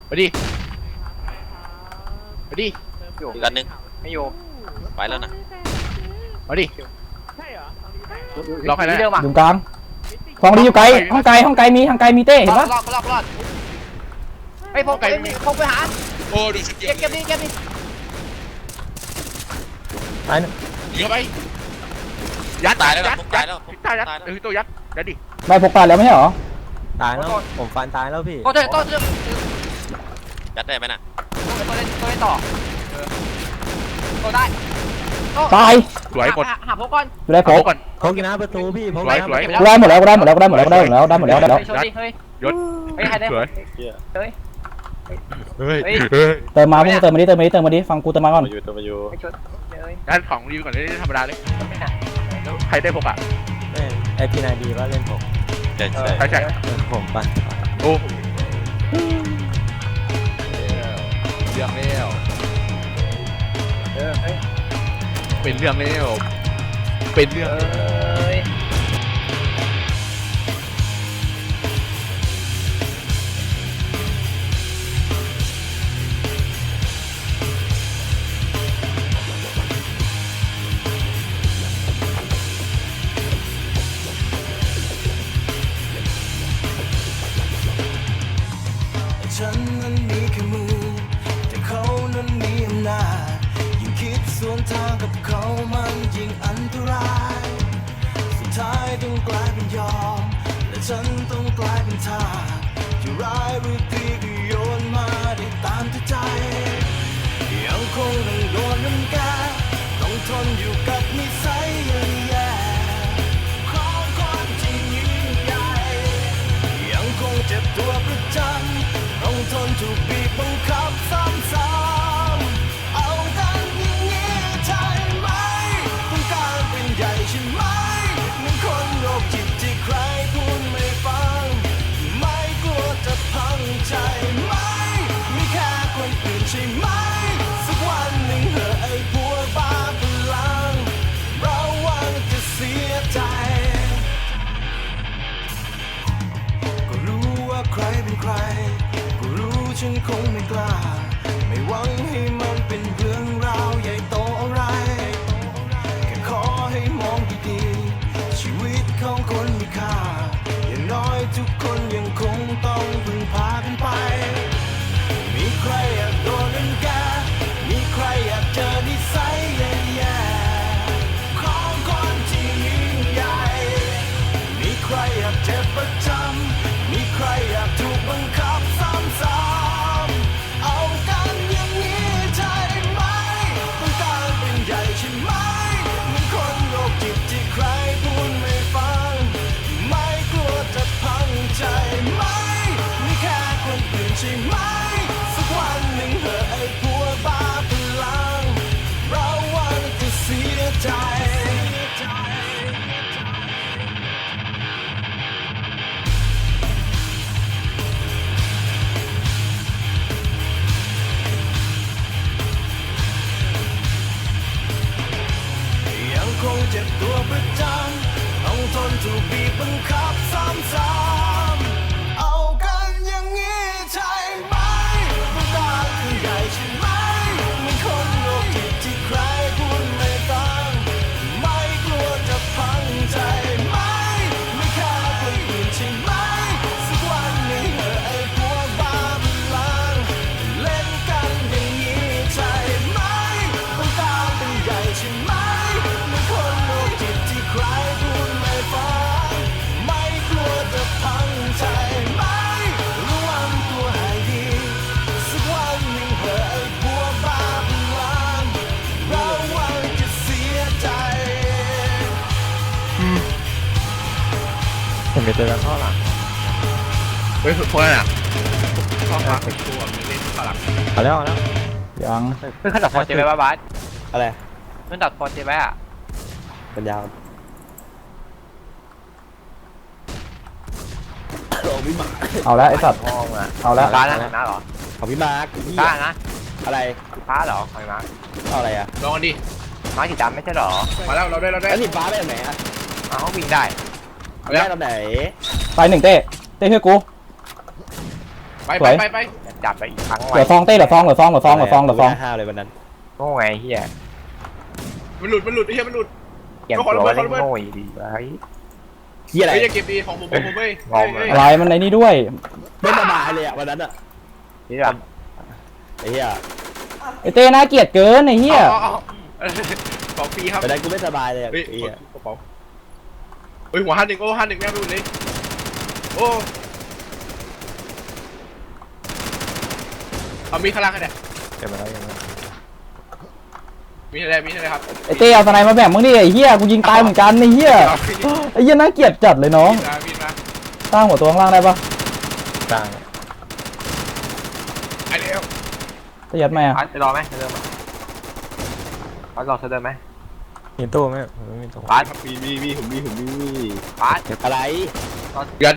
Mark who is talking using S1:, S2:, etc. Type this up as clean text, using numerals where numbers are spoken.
S1: มาดิมาดิ
S2: อยู่อีกอันนึง
S3: ไม่อยู่
S2: ไปแล้วนะ
S1: มาดิล็อกให้แล้ว
S4: อยู่กลางของดีอยู่ไกลห้องไกลมีเต้เห็นปะ
S3: รอดไอ้พกไปหา
S1: โอ้ดูชุดเก็บ
S3: ดิ
S4: ตาย
S1: ยิงไปยัด
S2: ตายแล้วตายแล้ว
S1: ตัวยัดดิ
S4: ได้พกตายแล้วไม่ใช่หรอ
S5: ตายแล้วผมฟันตายแล้วพี่
S3: ก็เถอะ
S2: ยัดได้ไหมน่ะ
S3: ตัวเล่นต่อตัวได้
S4: ตาย
S1: สวยหมด
S3: หาพกก่อน
S4: อยู่ได้พก
S1: ก่อน
S5: พกนะประตูพี่พก
S1: สวย
S4: ได้หมดแล้วได้หมดแล้ว
S3: ยศไอ้ใครได้
S1: สวย
S3: เฮ้ย
S4: เติมมาพวกเติมมาดิฟังกูเติมมาก่อน
S1: ด้านของรีวิวก่อนได้ธรรมดาเลยใครได้พกอ่ะ
S5: ไอพีนายดีว่าเล่นผม
S2: ใช่
S5: ผมปั่น
S1: โอ้เรื่องแล้วเป็นเรื่องแล้วเป็นเรื่อง
S6: ฉันนั้นมีแค่มือแต่เขานั้นมีอำนาจยิ่งคิดสวนทางกับเขามันยิ่งอันตรายสุดท้ายต้องกลายเป็นยอมและฉันต้องกลายเป็นทาสจะร้ายหรือดีก็โยนมาได้ตามใจยังคงต้องโดนรังแกต้องทนอยู่กับนิสัยแย่ๆของคนที่ยิ่งใหญ่ยังคงเจ็บตัวประจำต้องทนถูกบีบบังคับซ้ำๆเอากันอย่างนี้ใช่ไหมต้องการเป็นใหญ่ใช่ไหมเหมือนคนโรคจิตที่ใครพูดไม่ฟังไม่กลัวจะพังใจไหมมีแค่คนอื่นใช่ไหมสักวันหนึ่งเหอะไอ้พวกบ้าพลังเราว่าจะเสียใจก็รู้ว่าใครเป็นใครฉันคงไม่กล้าไม่หวังให้มันเป็นเรื่องราวใหญ่โตอะไรแค่ขอให้มองดีๆชีวิตของคนมีค่าอย่างน้อยทุกคนยังคงต้องพึ่งพากันไปมีใครอยากโดนรังแกมีใครอยากเจอนิสัยแย่ๆของคนที่ยิ่งใหญ่มีใครอยากเจ็บประจำมีใครอยากถูกบังคับซ้ำเอากันอย่างนี้ใช่ไหมต้องการเป็นใหญ่ใช่ไหมเหมือนคนโรคจิตที่ใครพูดไม่ฟังไม่กลัวจะพังใจไหมมีแค่คนอื่นใช่ไหมสักวันหนึ่งเหอะไอ้พวกบ้าพลังเราว่าจะเสียใจคงเจ็บตัวประจำต้องทนถูกบีบบังคับซ้ำๆเอากันอย่างนี้ใช่ไหมต้องการเป็นใหญ่ใช่ไหมเหมือนคนโรคจิตที่ใครพูดไม่ฟังไม่กลัวจะพังใจไหมไม่แค่คนอื่นใช่ไหมสักวันหนึ่งเหอะไอ้พวกบ้าพลังเล่นกันอย่างนี้ใช่ไหมต้องการเป็นใหญ่ใช่ไหมคนโรคจิตที่ใครพูดไม่ฟังไม่กลัวจะพังใจไหมระวังตัวให้ดีสักวันหนึ่งเหอะไอ้พวกบ้าพลังเราว่าจะเสียใจ
S5: ผมจะเจอกันข้อหลัง
S1: เฮ้ยพวกนั้นอ่ะข้อขาเป็นตัวเล่นข้อหลัง
S5: เอาแล้ว
S4: ยัง
S3: เพิ่งขัดตัดฟอร์เจไว้บ้าบาส
S5: อะไร
S3: เพิ่งตัดฟอร์เจไว้อะ
S5: เป็นยาว
S4: เอาแล้วไอ้สัตว์เอาแล้ว
S3: ฟ้านะเหรอ
S5: ของพี่มาร์ค
S3: ฟ้านะ
S5: อะไร
S3: ฟ้าเหรอของมาร์ค
S5: เอาอะไรอะ
S1: ลองกันดิ
S3: มาร์คสีดำไม่ใช่เหรอ
S1: มาแล้วเราได้
S5: แล้วสีฟ้าไปไหนอะ
S3: เขาวิ่งได้
S5: ได้ตอนไหน
S4: ตายหนึ่งเต้ช่วยกู
S1: ไป
S3: จับไปอีกครั้ง
S4: เหลือซองเต้เหลือซอง5เลยวันนั้น
S3: โง่ไงเฮีย
S1: มันหลุดไอ้เหี้ยมันหลุด
S3: เกี่ยมตัวเล่นโง่อีดีวะ
S5: เฮียอะไร
S1: เฮ้ยอย่าเก็บดีของผมเว้ย
S4: อะไรมันในนี้ด้วย
S5: ไม่สบายเลยอ่ะวันนั้นอ่ะ
S3: นี่แบบ
S5: ไอ้เฮีย
S4: ไอเต้น่าเกลียดเกินไอเหี้ย
S1: ของฟรีครับ
S5: วันนั้นกูไม่สบายเลยอ่ะ
S1: เฮ้ย
S5: ไอ้เฮีย
S1: กระเป๋าเฮ้ยหัว51โอ้51แม่งดูเลยโอ้เอามีข้างล่างกันเนี่ย
S3: เก็บมาแล้วยังไง
S1: มีอะไรครับ
S4: ไอเต้เอาสไนมาแบ่งมึงดิไอเหี้ยกูยิงตายเหมือนกันไอเหี้ยไอเหี้ยน่าเกลียดจัดเลยน้อง
S1: มีมา
S4: สร้างหัวตัวข้างล่างได้ปะ
S3: ต่าง
S1: ไอเดียว
S4: จะยัดไหมอ่ะ
S3: จะรอไหมจะเดินไหมเขารอจะเดินไหม
S7: มีตู้ไหมไม่มีตู้
S3: บาส
S1: มีผมมี
S3: บาส
S5: อะไร
S1: ยัน